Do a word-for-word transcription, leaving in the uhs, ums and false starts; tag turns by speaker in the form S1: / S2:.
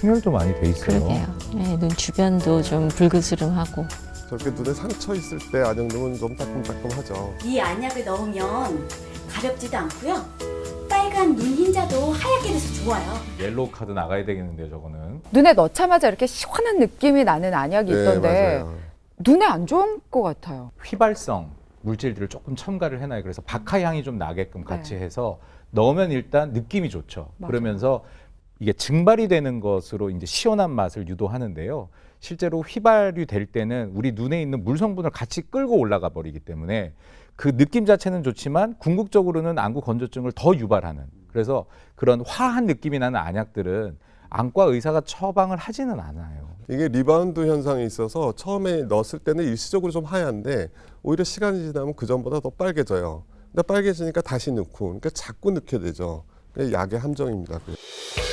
S1: 충혈도 많이 돼 있어요.
S2: 그러게요. 네, 눈 주변도 좀 붉으스름하고.
S3: 저렇게 눈에 상처 있을 때 안약 넣으면 좀 따끔따끔하죠.
S4: 이 안약을 넣으면 가렵지도 않고요. 빨간 눈 흰자도 하얗게 돼서 좋아요.
S1: 옐로우 카드 나가야 되겠는데요, 저거는.
S5: 눈에 넣자마자 이렇게 시원한 느낌이 나는 안약이 있던데
S3: 네, 맞아요.
S5: 눈에 안 좋은 것 같아요.
S1: 휘발성 물질들을 조금 첨가를 해놔요. 그래서 박하 향이 좀 나게끔 같이
S5: 네.
S1: 해서 넣으면 일단 느낌이 좋죠.
S5: 맞아요.
S1: 그러면서 이게 증발이 되는 것으로 이제 시원한 맛을 유도하는데요. 실제로 휘발이 될 때는 우리 눈에 있는 물 성분을 같이 끌고 올라가 버리기 때문에 그 느낌 자체는 좋지만 궁극적으로는 안구 건조증을 더 유발하는, 그래서 그런 화한 느낌이 나는 안약들은 안과 의사가 처방을 하지는 않아요.
S3: 이게 리바운드 현상이 있어서 처음에 넣었을 때는 일시적으로 좀 하얀데 오히려 시간이 지나면 그 전보다 더 빨개져요. 근데 빨개지니까 다시 넣고, 그러니까 자꾸 넣게 되죠. 그게 약의 함정입니다. 그게.